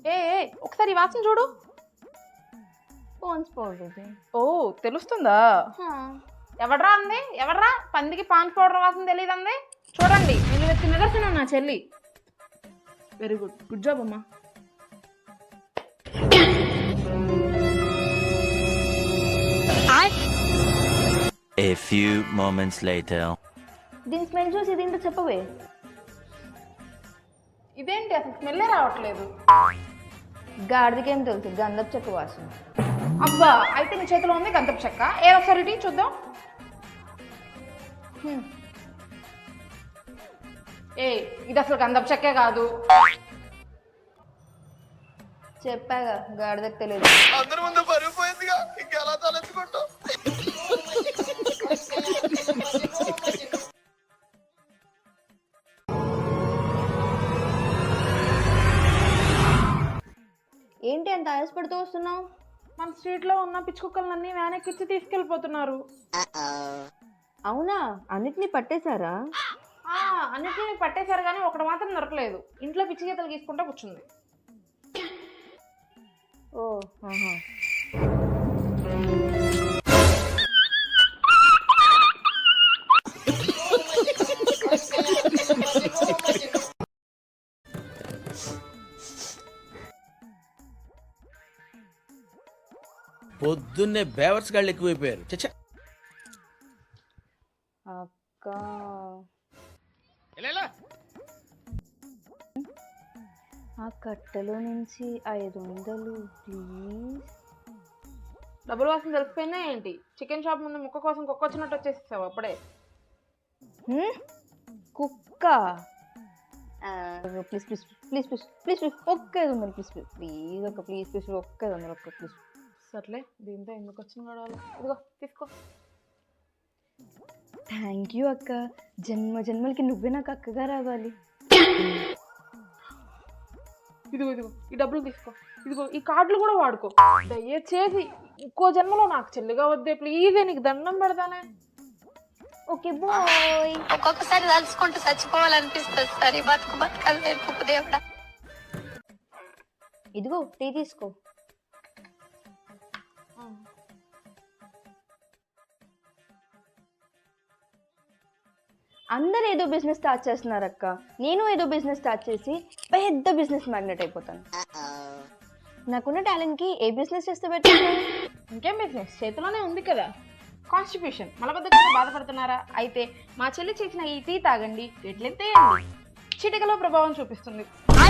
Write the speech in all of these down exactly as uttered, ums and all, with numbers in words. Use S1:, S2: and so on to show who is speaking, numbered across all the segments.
S1: ఏ ఒకసారి వాసన చూడు.
S2: Pans powder.
S1: ఓ తెలుస్తుందా? ఎవడ్రా అంది? ఎవడ్రా పందికి పాన్స్ పౌడర్ వాసన తెలియదు అంది? చూడండి నేను నిదర్శనం నా చెల్లి. వెరీ గుడ్, గుడ్ జాబ్ అమ్మా.
S3: A few moments later.
S2: దీని స్మెల్ చూసి ఇదేంటో చెప్పవే.
S1: ఇదేంటి అసలు స్మెల్లే రావట్లేదు.
S2: గాడిదకేం తెలుసు గంధపు చెక్క వాసన.
S1: అబ్బా అయితే నీ చేతిలో ఉంది గంధపు చెక్క. ఏ ఒకసారి ఇటీ చూద్దాం. ఏ ఇది అసలు గంధపు చెక్కే కాదు.
S2: చెప్పాగా గాడిదకు తెలియదు.
S4: అందరి ముందు పరిగిపోయిందిగా ఇంకెలా తలెత్తుకుంటావు.
S2: ఏంటి అంత ఆయాసపడుతూ వస్తున్నావు?
S1: మన స్ట్రీట్ లో ఉన్న పిచ్చి కుక్కలన్నీ వ్యాన్ ఎక్కిచ్చి తీసుకెళ్లిపోతున్నారు.
S2: అవునా, అన్నిటినీ పట్టేశారా?
S1: ఆ అన్నిటిని పట్టేశారు కానీ ఒకటి మాత్రం దొరకలేదు. ఇంట్లో పిచ్చి గీతలు గీసుకుంటూ కూర్చుంది.
S2: ఓ ఆహా.
S5: పొద్దున్నే బేవర్స్ గాళ్ళు ఎక్కువైపోయారు. చచ్చా
S2: అక్క ఆ కట్టలో నుంచి ఐదు వందలు ప్లీజ్.
S1: డబ్బులు వాసన తెలిసిపోయిందా ఏంటి? చికెన్ షాప్ ముందు ముక్క కోసం కుక్క వచ్చినట్టు వచ్చేసేసావు అప్పుడే.
S2: కుక్క please please please please please please ఒక్క ఐదు వందలు ప్లీజ్ ప్లీజ్ ప్లీజ్ ఒక్క ప్లీజ్ ప్లీజ్ ఒక్క ఐదు వందలు ఒక్క ప్లీజ్.
S1: సర్లే దీంతో ఎందుకు వచ్చిన గొడవలు. ఇదిగో తీసుకో.
S2: థ్యాంక్ యూ అక్క, జన్మ జన్మలకి నువ్వే నాకు అక్కగా రావాలి.
S1: ఇదిగో ఇదిగో ఈ డబ్బులు తీసుకో. ఇదిగో ఈ కార్డులు కూడా వాడుకో. దయచేసి ఇంకో జన్మలో నాకు చెల్లిగా వద్దే ప్లీజ్. నీకు దండం పెడతానే.
S2: Okay bye.
S6: ఒక్కొక్కసారి తలుచుకుంటూ చచ్చిపోవాలనిపిస్తుంది సార్. ఈ బతుకు బతకాలి దేవుడా.
S2: ఇదిగో టీ తీసుకో. అందరు ఏదో బిజినెస్ స్టార్ట్ చేస్తున్నారు అక్క, నేను ఏదో బిజినెస్ స్టార్ట్ చేసి పెద్ద బిజినెస్ మ్యాగ్నెట్ అయిపోతాను. నాకున్న టాలెంట్కి ఏ బిజినెస్ చేస్తే బెటర్?
S1: ఇంకేం బిజినెస్ చేతిలోనే ఉంది కదా. కాన్స్టిట్యూషన్ మలబద్ధకంగా బాధపడుతున్నారా? అయితే మా చెల్లి చేసిన ఈ టీ తాగండి, ఎట్లెత్తేయండి, చిటికలో ప్రభావం చూపిస్తుంది.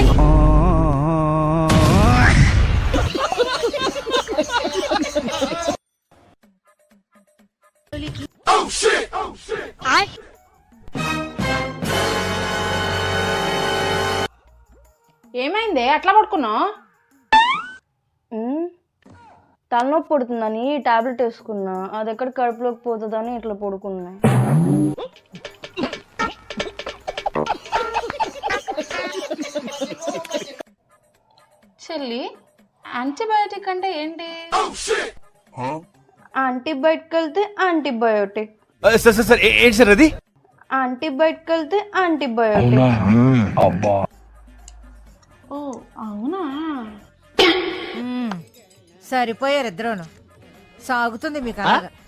S1: ఏమైంది అట్లా పడుకున్నావు?
S2: తలనొప్పి పడుతుందని టాబ్లెట్ వేసుకున్నా, అది ఎక్కడ కడుపులోకి పోతుందని ఇట్లా పడుకున్నా.
S1: చెల్లి యాంటీబయాటిక్ అంటే ఏంటి?
S2: యాంటీబయాటిక్ వెళ్తే యాంటీబయోటిక్.
S4: సార్ సార్ సార్ ఏంటి సార్ అది?
S2: యాంటీబయాటిక్ వెళ్తే యాంటీబయోటిక్.
S1: ఓ అవునా?
S7: సరిపోయారు ఇద్దరును. సాగుతుంది మీకు అలాగా.